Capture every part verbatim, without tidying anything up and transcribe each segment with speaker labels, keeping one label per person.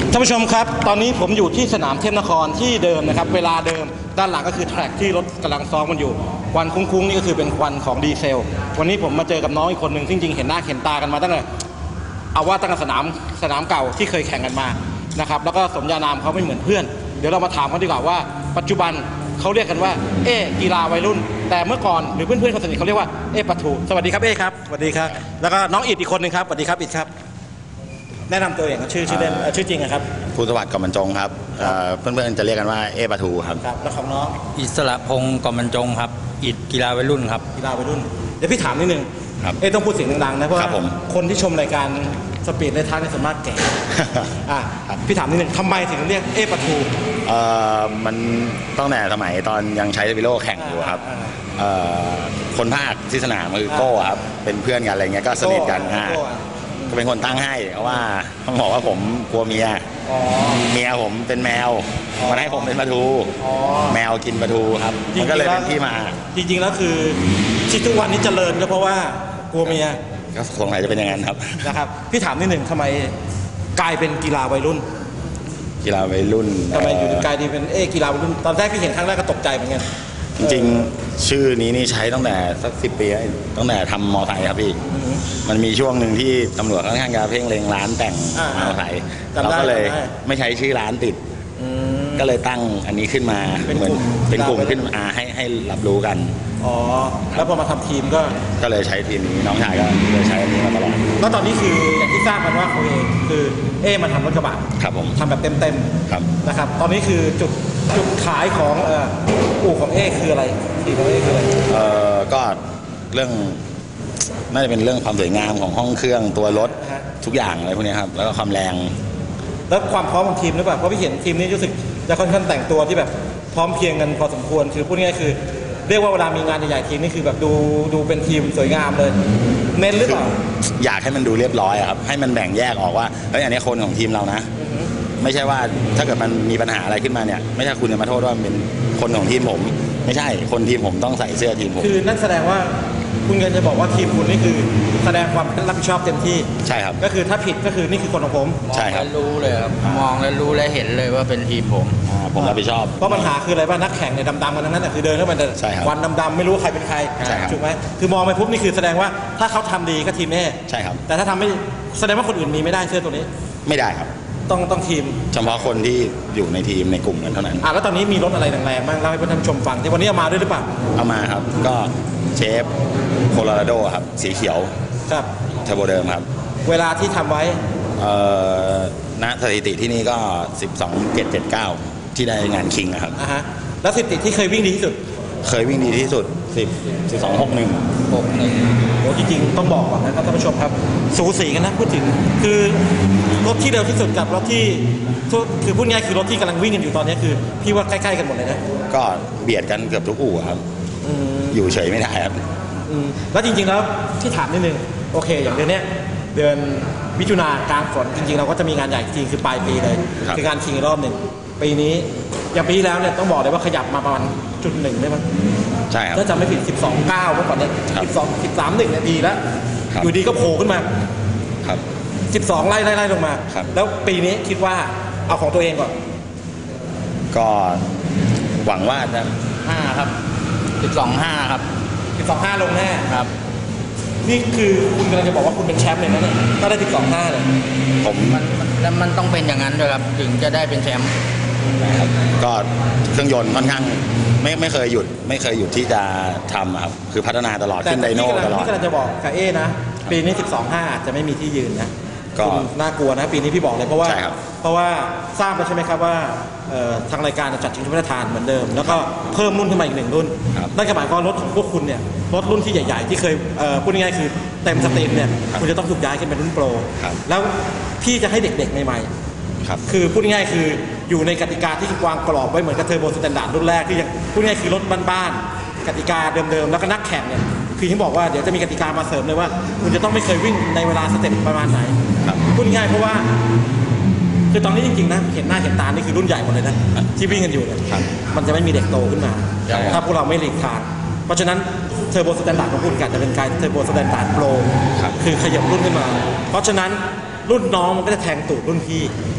Speaker 1: ท่านผู้ชมครับตอนนี้ผมอยู่ที่สนามเทพนครที่เดิมนะครับเวลาเดิมด้านหลังก็คือแทร็กที่รถกำลังซ้อมมันอยู่ควันคุ้งๆนี่ก็คือเป็นควันของดีเซลวันนี้ผมมาเจอกับน้องอีกคนหนึ่งจริงๆเห็นหน้าเห็นตากันมาตั้งแต่เอาว่าตั้งแต่สนามสนามเก่าที่เคยแข่งกันมานะครับแล้วก็สมญานามเขาไม่เหมือนเพื่อนเดี๋ยวเรามาถามเขาดีกว่าว่าปัจจุบันเขาเรียกกันว่าเอ๊กีฬาวัยรุ่นแต่เมื่อก่อนหรือเพื่อนๆคนสนิทเขาเรียกว่าเอ๊ปะทูสวัสดีครับเอ๊ครับสวัสดีครับแล้วก็น้องอิดอีกคนหนึ่งครับสวัสดีครับอิดครับแนะนำตัวเองชื่อชื่อเล่นชื่อจริงครับ
Speaker 2: ภูสวัสดิ์กอมบรรจงครับเพื่อนๆจะเรียกกันว่าเอปะทูครับ
Speaker 1: ครับแล้วของน้อง
Speaker 3: อิสระพงศ์กอมบรรจงครับอิดกีฬาวัยรุ่นครับ
Speaker 1: กีฬาวัยรุ่นเดี๋ยวพี่ถามนิดนึงเอ๊ต้องพูดเสียงดังๆนะเพราะว่าคนที่ชมรายการสปีดในทางในสามารถแก่อ่ะพี่ถามนิดนึงทำไมถึงเรียกเอปะทู
Speaker 2: เอ่อมันตั้งแต่สมัยตอนยังใช้วิโรแข่งอยู่ครับคนภาคที่สนามคือโก้ครับเป็นเพื่อนกันอะไรเงี้ยก็สนิทกันก็เป็นคนตั้งให้เพราะว่าต้องบอกว่าผมกลัวเมียเมียผมเป็นแมวมันให้ผมเป็นปลาทูแมวกินปลาทูครับมันก็เลยเป็นที่มา
Speaker 1: จริงๆแล้วคือที่ทุกวันนี้เจริญก็เพราะว่ากลัวเมีย
Speaker 2: ก็คงไหนจะเป็นอย่างนั้นครับ
Speaker 1: นะครับพี่ถามนิดหนึ่งทำไมกลายเป็นกีฬาวัยรุ่น
Speaker 2: กีฬาวัยรุ่น
Speaker 1: ทำไมอยู่กลายเป็นเอกีฬาวัยรุ่นตอนแรกพี่เห็นครั้งแรกก็ตกใจเหมือนกัน
Speaker 2: จริงๆชื่อนี้นี่ใช้ตั้งแต่สักสิบปีตั้งแต่ทำมอไซค์ครับพี่มันมีช่วงหนึ่งที่ตำรวจค่อนข้างจะเพ่งเล็งร้านแต่งมอไซค์เราก็เลยไม่ใช้ชื่อร้านติดก็เลยตั้งอันนี้ขึ้นมาเหมือนเป็นกลุ่มขึ้นมาให้ให้รับรู้กัน
Speaker 1: อ๋อแล้วพอมาทำทีมก็
Speaker 2: ก็เลยใช้ทีมนี้น้องชายก็เลยใช้อันนี้มาตลอด
Speaker 1: แล้วตอนนี้คืออย่างที่ทราบกันว่าเขาเองคือเอมาทำรถกระบะ
Speaker 2: ครับผม
Speaker 1: ทำแบบเต็มๆครับนะครับตอนนี้คือจุดจุดขายของเอ่ออู่ของเอคืออะไรทีมของเอคืออะไร
Speaker 2: เอ่อก็เรื่องน่าจะเป็นเรื่องความสวยงามของห้องเครื่องตัวรถทุกอย่างอะไรพวกนี้ครับแล้วก็ความแรง
Speaker 1: แล้วความพร้อมของทีมหรือเปล่าเพราะพี่เห็นทีมนี้รู้สึกจะค่อนข้างแต่งตัวที่แบบพร้อมเพียงกันพอสมควรคือพูดง่ายๆคือเรียกว่าเวลามีงานใหญ่ๆทีมนี่คือแบบดูดูเป็นทีมสวยงามเลยเน้นหรือเปล่า
Speaker 2: อยากให้มันดูเรียบร้อยครับให้มันแบ่งแยกออกว่าเฮ้ยอันนี้คนของทีมเรานะไม่ใช่ว่าถ้าเกิดมันมีปัญหาอะไรขึ้นมาเนี่ยไม่ใช่คุณจะมาโทษว่าเป็นคนของทีมผมไม่ใช่คนทีมผมต้องใส่เสื้อทีมผม
Speaker 1: คือนั่นแสดงว่าคุณก็จะบอกว่าทีมคุณนี่คือแสดงความรับผิดชอบเต็มที่
Speaker 2: ใช่ครับ
Speaker 1: ก็คือถ้าผิดก็คือนี่คือคนของผม
Speaker 2: ใช่ครับ
Speaker 3: รู้เลยครับมองแล้วรู้และเห็นเลยว่าเป็นทีมผม
Speaker 2: ผมรับผิดชอบ
Speaker 1: เพราะปัญหาคืออะไรบ้างนักแข่งในดำๆกันทั้งนั้นแต่คือเดินเข้ามาวันดำๆไม่รู้ใครเป็นใครถูกไหมคือมองไปปุ๊บนี่คือแสดงว่าถ้าเขาทำดีก็ทีมแน่
Speaker 2: ใช่ครับ
Speaker 1: แต่ถ้าทำไม่แสดงว่าคนอื่นมีไม่ได้เสื้อตัวนี้
Speaker 2: ไม่ได้ครับ
Speaker 1: ต้องต้องทีม
Speaker 2: เฉพาะคนที่อยู่ในทีมในกลุ่มนั้นเท่านั้น
Speaker 1: อ่ะแล้วตอนนี้มีรถอะไรแรงๆบ้างเล่าให้ท่านผู้ชมฟังที่วันนี้เอามาด้วยหรือเปล่า
Speaker 2: เอามาครับก็เชฟโคโลราโดครับสีเขียว
Speaker 1: ครับ
Speaker 2: เทอร์โบเดิมครับ
Speaker 1: เวลาที่ทำไว้
Speaker 2: เอ่อณสถิติที่นี่ก็สิบสองจุดเจ็ดเจ็ดเก้าที่ได้งานคิงนะครับ
Speaker 1: อ่ะฮะแล้วสถิติที่เคยวิ่งดีที่สุด
Speaker 2: เคยวิ่งดีที่สุดสิบ สิบสอง หก หนึ่ง
Speaker 1: หก หนึ่งโอ้จริงๆต้องบอกก่อนนะครับท่านผู้ชมครับสูสีกันนะพูดถึงคือรถที่เร็วที่สุดกับรถที่คือพูดง่ายคือรถที่กำลังวิ่งกันอยู่ตอนนี้คือพี่ว่าใกล้ๆกันหมดเลยนะ
Speaker 2: ก็เบียดกันเกือบทุกอู่ครับอยู่เฉยไม่ได้ครับ
Speaker 1: แล้วจริงๆแล้วที่ถามนิดนึงโอเคอย่างเดือนนี้เดือนมิถุนากลางฝนจริงๆเราก็จะมีงานใหญ่จริงคือปลายปีเลยคือการชิงรอบหนึ่งปีนี้อย่างปีแล้วเนี่ยต้องบอกเลยว่าขยับมาประมาณจุดหนึ่งได้ไหม
Speaker 2: ใช่ครับ
Speaker 1: ถ้าจำไม่ผิดสิบสองเก้าเมื่อก่อนเนี่ยสิบสอง สิบสาม หนึ่งเนี่ยดีแล้วอยู่ดีก็โผล่ขึ้นมา
Speaker 2: ครับ
Speaker 1: สิบสองไล่ไล่ไล่ลงมาแล้วปีนี้คิดว่าเอาของตัวเองก่อน
Speaker 2: ก็หวังว่าจะ
Speaker 3: ห้าครับสิบสอง ห้าครับ
Speaker 1: สิบสอง ห้าลงแน่
Speaker 3: ครับ
Speaker 1: นี่คือคุณกำลังจะบอกว่าคุณเป็นแชมป์เลยนะเนี่ยถ้าได้สิบสอง ห้าเลย
Speaker 2: ผม
Speaker 3: มันมันมันต้องเป็นอย่างนั้นด้วยครับถึงจะได้เป็นแชมป์
Speaker 2: นะครับก็เครื่องยนต์ค่อนข้างไม่ไม่เคยหยุดไม่เคยหยุดที่จะทำครับคือพัฒนาตลอดขึ้นไดโน่ตลอด
Speaker 1: ที่กำลังจะบอกกับเอนะปีนี้สิบสอง ห้าอาจจะไม่มีที่ยืนนะก็น่ากลัวนะปีนี้พี่บอกเลยเพราะว่าเพราะว่าทราบแล้วใช่ไหมครับว่าทางรายการจัดชิงถ้วยพระราชทานเหมือนเดิมแล้วก็เพิ่มรุ่นขึ้นมาอีกหนึ่งรุ่นนั่นหมายความว่ารถของพวกคุณเนี่ยรถรุ่นที่ใหญ่ๆที่เคยพูดง่ายๆคือเต็มสตรีมเนี่ยคุณจะต้องถูกย้ายขึ้นเป็นรุ่นโปรแล้วพี่จะให้เด็กๆใหม่ๆคือพูดง่ายๆคืออยู่ในกติกาที่วางกรอบไว้เหมือนกับเทอร์โบสแตนดาร์ดรุ่นแรกที่พูดง่ายๆคือรถบ้านๆกติกาเดิมๆแล้วก็นักแข่งเนี่ยคือที่บอกว่าเดี๋ยวจะมีกติกามาเสริมเลยว่าคุณจะต้องไม่เคยวิ่งในเวลาสเต็ปประมาณไหนพูดง่ายเพราะว่าคือตอนนี้จริงๆนะเห็นหน้าเห็นตานี่คือรุ่นใหญ่หมดเลยนะที่วิ่งกันอยู่เนี่ยมันจะไม่มีเด็กโตขึ้นมาถ้าพวกเราไม่หลีกทางเพราะฉะนั้นเทอร์โบสแตนดาร์ดของคุณกันจะเป็นการเทอร์โบสแตนดาร์ดโปรคือขยับรุ่นขึ้นมาเพราะฉะนั้นรุ่นน้องมันก็จะแทงตูดรุ่นพี่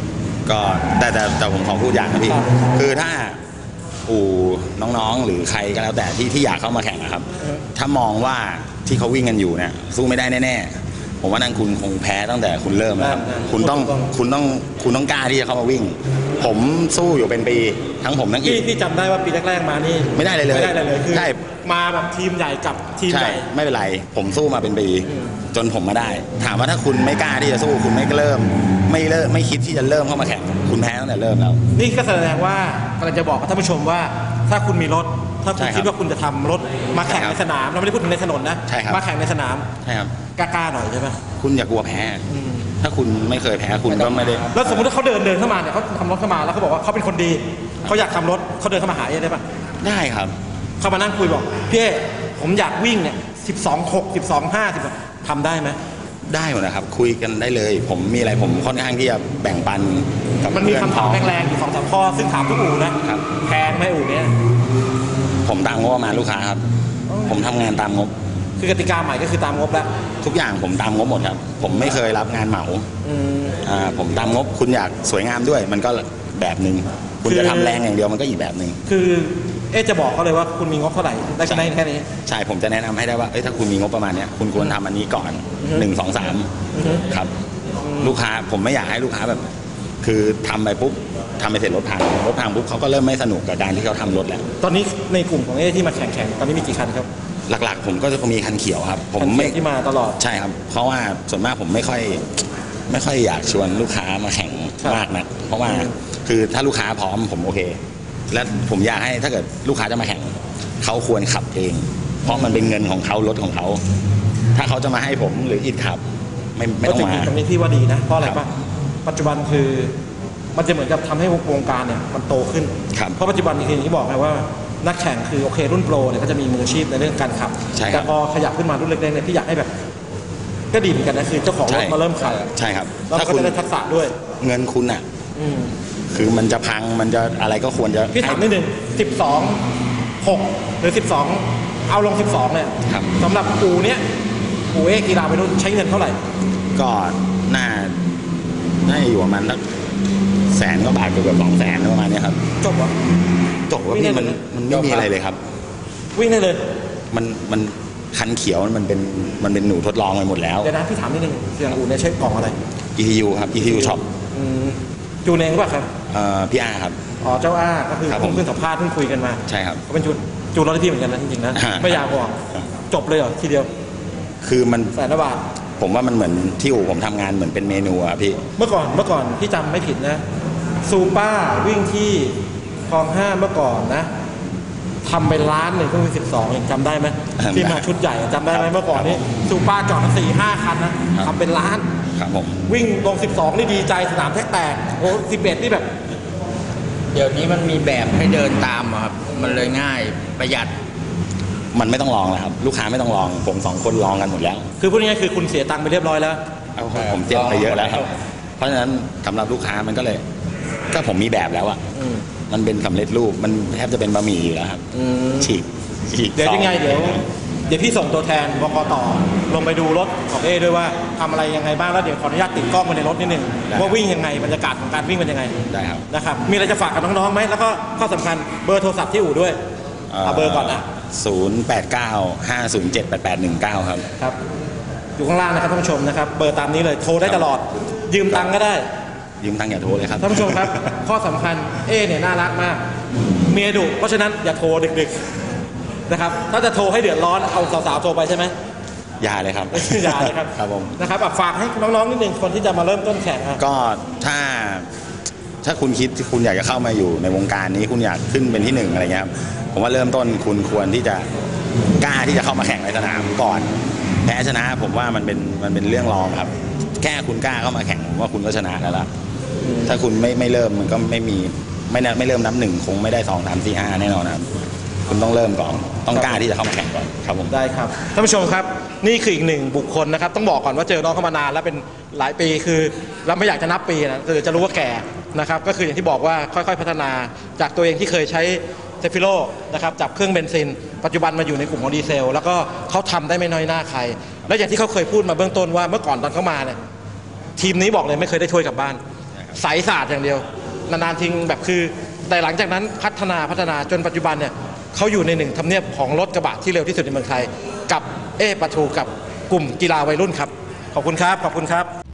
Speaker 2: ก็แต่แต่แต่ผมขอพูดอย่างนะพี่คือถ้าอู่น้องๆหรือใครก็แล้วแต่ที่ที่อยากเข้ามาแข่งนะครับถ้ามองว่าที่เขาวิ่งกันอยู่เนี่ยสู้ไม่ได้แน่ๆผมว่านั่นคุณคงแพ้ตั้งแต่คุณเริ่มแล้วครับคุณต้องคุณต้องคุณต้องกล้าที่จะเข้ามาวิ่งผมสู้อยู่เป็นปีทั้งผมทั้งอี
Speaker 1: พี่
Speaker 2: ก
Speaker 1: พี่จำได้ว่าปีแรกๆมานี่
Speaker 2: ไม่ได้เลยเลย
Speaker 1: ไม่ได้เลยเลยคือ
Speaker 2: ใช่
Speaker 1: มาแบบทีมใหญ่กับทีม
Speaker 2: ใช่
Speaker 1: ใหญ่
Speaker 2: ไม่เป็นไรผมสู้มาเป็นปีจนผมมาได้ ถามว่าถ้าคุณไม่กล้าที่จะสู้คุณไม่เริ่ม ไม่เริ่มไม่คิดที่จะเริ่มเข้ามาแข่งคุณแพ้ตั้งแต่เริ่มแล้ว
Speaker 1: นี่ก็แสดงว่ากำลังจะบอกกับท่านผู้ชมว่าถ้าคุณมีรถถ้าคุณ
Speaker 2: ใช่ครับ
Speaker 1: คิดว่าคุณจะทำรถมาแข่ง
Speaker 2: ใช่ครั
Speaker 1: ใน
Speaker 2: บ
Speaker 1: สนามเราไม่ได้พูดถึงในถนนนะ
Speaker 2: ใช่ครับ
Speaker 1: มาแข่งในสนาม
Speaker 2: ใช่ครับ
Speaker 1: กล้าๆหน่อยใช่ไหม
Speaker 2: คุณอย่ากลัวแพ้ ถ้าคุณไม่เคยแพ้คุณก็ไม่ได้
Speaker 1: แล้วสมมติว่าเขาเดินเดินเข้ามาเนี่ยเขาทำรถเข้ามาแล้วเขาบอกว่าเขาเป็นคนดีเขาอยากทำรถเขาเดินเข้ามาหาเอ๊ได้ปะ
Speaker 2: ได้ครับ
Speaker 1: เขามานั่งคุยบอกพี่เอ๊ผมอยากวิ่งเนี่ยสิบสองหกสิบสองห้าสิบทำได้ไหม
Speaker 2: ได้หมดนะครับคุยกันได้เลย ผมมีอะไรผมค่อนข้างที่จะแบ่งปันกับ
Speaker 1: มันมี
Speaker 2: เพื่อน
Speaker 1: คำถามแรงๆอยู่สองสามข้อซึ่งถามทุกอู่นะครับ แพงไหมอู่เนี้ย
Speaker 2: ผมตามงบประมาณลูกค้าครับ ผมทำงานตามงบ
Speaker 1: คือกติกาใหม่ก็คือตามงบแล้ว
Speaker 2: ทุกอย่างผมตามงบหมดครับ ผมไม่เคยรับงานเหมา
Speaker 1: อืม
Speaker 2: อ่าผมตามงบคุณอยากสวยงามด้วย มันก็แบบหนึ่งคุณ
Speaker 1: คือ
Speaker 2: จะทำแรงอย่างเดียวมันก็อีกแบบหนึ่ง
Speaker 1: คือเอ๊ะจะบอกเขาเลยว่าคุณมีงบเท่าไหร่ได้แค่นี้แค่นี้
Speaker 2: ใช่ผมจะแนะนำให้ได้ว่าเอ้ยถ้าคุณมีงบประมาณเนี้ยคุณควรทำอันนี้ก่อน
Speaker 1: อือฮึ
Speaker 2: หนึ่งสองสาม
Speaker 1: อือฮึ
Speaker 2: ครับ ลูกค้าผมไม่อยากให้ลูกค้าแบบ คือทำไปปุ๊บทำไปเสร็จรถพังรถพังปุ๊บเขาก็เริ่มไม่สนุกกับการที่เขาทำรถแล้ว
Speaker 1: ตอนนี้ในกลุ่มของเอ๊ะที่มาแข่งๆตอนนี้มีกี่คันครับ
Speaker 2: หลักๆ ผมก็จะมีคันเขียวครับ ผม
Speaker 1: คันเขี
Speaker 2: ไม่
Speaker 1: ยวที่มาตลอด
Speaker 2: ใช่ครับ เพราะว่าส่วนมากผมไม่ค่อย ไม่ค่อยอยากชวนลูกค้ามาแข่ง
Speaker 1: ครับ
Speaker 2: มากนะเพราะว่า
Speaker 1: อืม
Speaker 2: คือถ้าลูกค้าพร้อมผมโอเค และผมอยากให้ถ้าเกิดลูกค้าจะมาแข่งเขาควรขับเอง เพราะมันเป็นเงินของเขารถของเขา ถ้าเขาจะมาให้ผมหรืออิดขับ ไม่ไม่ต้องมา
Speaker 1: ตรงนี้พี่ว่าดีนะเพราะอะไร
Speaker 2: ครับ
Speaker 1: ป่ะปัจจุบันคือมันจะเหมือนกับทำให้วงการเนี่ยมันโตขึ้น
Speaker 2: ครับ
Speaker 1: เพราะปัจจุบันอย่างที่บอกไงว่านักแข่งคือโอเครุ่นโปรเนี่ยก็จะมีมืออาชีพในเรื่องการขับ
Speaker 2: ใช่ครับ
Speaker 1: แต่พอขยับขึ้นมารุ่นเล็กๆเนี่ยพี่อยากให้แบบ ก็ดีเหมือนกันนะคือเจ้าของรถมาเริ่มขับ
Speaker 2: ใช่ครับ
Speaker 1: แล้ว
Speaker 2: ถ้า
Speaker 1: ก็
Speaker 2: คุณ
Speaker 1: จะได้ทักษะด้วย
Speaker 2: เงินคุณอ่ะ
Speaker 1: อืม
Speaker 2: คือมันจะพังมันจะอะไรก็ควรจะ
Speaker 1: พี่ถามนิดนึงสิบสองหกหรือสิบสองเอาลงสิบสองเนี่ย
Speaker 2: ครับ
Speaker 1: สำหรับอูเนี้ยอูเอกีฬาไปรุ่นใช้เงินเท่าไหร่
Speaker 2: ก็น่าน่าจะอยู่ประมาณสักแสนก็บาทเกือบสองแสนประมาณเนี้ยครับ
Speaker 1: จบวะ
Speaker 2: จบว่าพี่มันมันไม่มีอะไรเลยครับ
Speaker 1: วิ่งได้เลย
Speaker 2: มันมันคันเขียวมันเป็นมันเป็นหนูทดลองไปหมดแล้ว
Speaker 1: เดี๋ยวนะพี่ถามนิดนึงเสียงอูเนี่ยใช้กล่องอะไร
Speaker 2: อี ที ยู ครับ อี ที ยู Shop
Speaker 1: อืมจูนเองหรือเปล่าครับ
Speaker 2: เอ่อพี่อาครับ
Speaker 1: อ๋อเจ้าอ้าก็คือ
Speaker 2: ครับผม
Speaker 1: เพิ่งสัมภาษณ์เพิ่งคุยกันมา
Speaker 2: ใช่ครับ
Speaker 1: เขาเป็นจูนจูนรถที่พี่เหมือนกันนะจริงๆนะ
Speaker 2: อ่า
Speaker 1: ไม่อยากบอกจบเลยเหรอทีเดียว
Speaker 2: คือมัน
Speaker 1: แสนละบาท
Speaker 2: ผมว่ามันเหมือนที่อู่ผมทำงานเหมือนเป็นเมนูอะพี่
Speaker 1: เมื่อก่อนเมื่อก่อนพี่จำไม่ผิดนะซูป้าวิ่งที่คลองห้าเมื่อก่อนนะทำไปล้านหนึ่งเพิ่งเป็นสิบสองเองจำได้ไหม
Speaker 2: จำได้
Speaker 1: ที่มาชุดใหญ่อะจำได้ไหมเมื่อก่อนนี้ซูป้าจอดมาสี่ห้าคันนะครับ ทำเป็นล้าน
Speaker 2: ครับผม
Speaker 1: วิ่งลงสิบสองนี่ดีใจสนามแทกแตกโอ้สิบเอ็ดนี่แบบ
Speaker 3: เดี๋ยวนี้มันมีแบบให้เดินตามอะครับ มันเลยง่ายประหยัด
Speaker 2: มันไม่ต้องลองแล้วครับ ลูกค้าไม่ต้องลอง ผมสองคนลองกันหมดแล้ว
Speaker 1: คือพูดง่ายๆคือคุณเสียตังค์ไปเรียบร้อยแล้ว
Speaker 2: เอาผมเจ็บไปเยอะแล้วครับ เพราะฉะนั้นสำหรับลูกค้ามันก็เลย ก็ผมมีแบบแล้วอะ
Speaker 1: อืม
Speaker 2: มันเป็นสำเร็จรูปมันแทบจะเป็นบะหมี่อยู่แล้วครับ
Speaker 1: อืม
Speaker 2: ฉีกฉีก
Speaker 1: เดี๋ยว
Speaker 2: ซอ
Speaker 1: ยังไงเดี๋ยวเดี๋ยวพี่ส่งตัวแทนบกต่อลงไปดูรถของเอด้วยว่าทำอะไรยังไงบ้างแล้วเดี๋ยวขออนุญาตติดกล้องไว้ในรถนิดนึงว่าวิ่งยังไงบรรยากาศของการวิ่งเป็นยังไง
Speaker 2: ได้ครับ
Speaker 1: นะครับมีอะไรจะฝากกับน้องๆไหมแล้วก็ข้อสำคัญเบอร์โทรศัพท์ที่อู่ด้วยเอาเบอร์ก่อนนะ
Speaker 2: ศูนย์แปดเก้าห้าศูนย์เจ็ดแปดแปดหนึ่งเก้าครับ
Speaker 1: ครับอยู่ข้างล่างนะครับท่านผู้ชมนะครับเบอร์ตามนี้เลยโทรได้ตลอด ยืมตังค์ก็ได้
Speaker 2: ยืมตังค์อย่าโทรเลยครับ
Speaker 1: ท่านผู้ชมครับ ข้อสำคัญเอเนี่ยน่ารักมากเมียดุเพราะฉะนั้นอย่าโทรดึกๆนะครับถ้าจะโทรให้เดือดร้อนเอาสาวๆโทรไปใช่ไหม
Speaker 2: อย่าเลยครับ
Speaker 1: อย่าเลยครับ
Speaker 2: ครับผม
Speaker 1: นะครับอ่ะฝากให้น้องๆนิดนึงคนที่จะมาเริ่มต้นแข่งอ่ะ
Speaker 2: ก็ถ้าถ้าคุณคิดที่คุณอยากจะเข้ามาอยู่ในวงการนี้คุณอยากขึ้นเป็นที่หนึ่งอะไรเงี้ยครับผมว่าเริ่มต้นคุณควรที่จะกล้าที่จะเข้ามาแข่งในสนามก่อนแพ้ชนะผมว่ามันเป็นมันเป็นเรื่องรองครับ แค่คุณกล้าเข้ามาแข่งผมว่าคุณก็ชนะแล้วล่ะถ้าคุณไม่ไม่เริ่มมันก็ไม่มีไม่ไม่เริ่มนับหนึ่งคงไม่ได้สองสามสี่ห้าแน่นอนนะครับคุณต้องเริ่มก่อนต้องกล้าที่จะเข้ามาแข่งก่อนครับผม
Speaker 1: ได้ครับท่านผู้ชมครับนี่คืออีกหนึ่งบุคคลนะครับต้องบอกก่อนว่าเจอน้องเข้ามานานแล้วเป็นหลายปีคือเราไม่อยากจะนับปีนะคือจะรู้ว่าแก่นะครับก็คืออย่างที่บอกว่าค่อยๆพัฒนาจากตัวเองที่เคยใช้เซฟิโลนะครับจับเครื่องเบนซินปัจจุบันมาอยู่ในกลุ่มของดีเซล แล้วก็เขาทำได้ไม่น้อยหน้าใคร และอย่างที่เขาเคยพูดมาเบื้องต้นว่าเมื่อก่อนตอนเขามาเนี่ยทีมนี้บอกเลยไม่เคยได้ถ้วยกลับบ้านสายศาสตร์อย่างเดียวนานๆทิ้งแบบคือแต่หลังจากนั้นพัฒนาพัฒนาจนปัจจุบันเนี่ยเขาอยู่ในหนึ่งทำเนียบของรถกระบะที่เร็วที่สุดในเมืองไทยกับเอปะทูกับกลุ่มกีฬาวัยรุ่นครับขอบคุณครับขอบคุณครับ